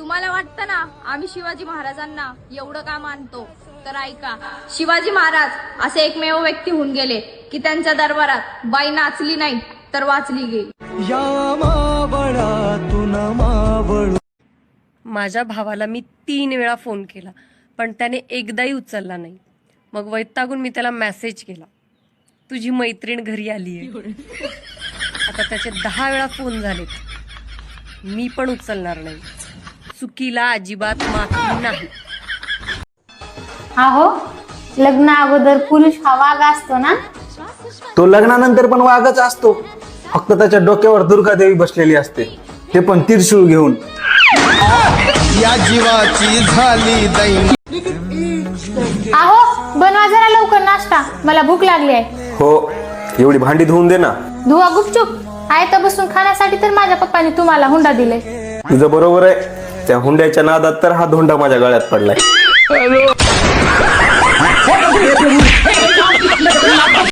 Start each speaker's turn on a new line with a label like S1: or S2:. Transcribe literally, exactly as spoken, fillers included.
S1: तुम्हाला वाटतं ना आम्ही शिवाजी महाराजांना एवढं का मानतो, तर ऐका, शिवाजी महाराज असे एकमेव व्यक्ती होऊन गेले की त्यांच्या दरबारात बाई नाचली नाही तर वाचली गेली।
S2: या मावळातून मावळ।
S3: माझ्या भावाला मी तीन वेळा फोन केला पण त्याने एकदाही उचलला नाही। मग वैतागून मी त्याला मेसेज केला, तुझी मैत्रीण घरी आली आहे। आता त्याचे दहा वेळा फोन झालेत, मी पण उचलणार नाही। चुकीला अजिबात माफी नाही।
S4: अहो, लग्ना अगोदर पुरुष हा वाघ असतो ना,
S5: तो लग्नानंतर पण वाघच असतो, फक्त त्याच्या डोक्यावर दुर्गादेवी बसलेली असते, ते पण त्रिशूळ घेऊन।
S2: या जीवाची झाली दैन।
S4: अहो बनवा जरा लवकर नाश्ता, मला भूक लागली आहे।
S5: हो, एवढी भांडी धुवून दे ना।
S4: धुवा गुपचूप, आहे तर बसून खाण्यासाठी तर माझ्या पप्पाने तुम्हाला हुंडा दिले।
S5: तुझं बरोबर आहे, त्या हुंड्याच्या नादात तर हा धोंडा माझ्या गळ्यात पडलाय।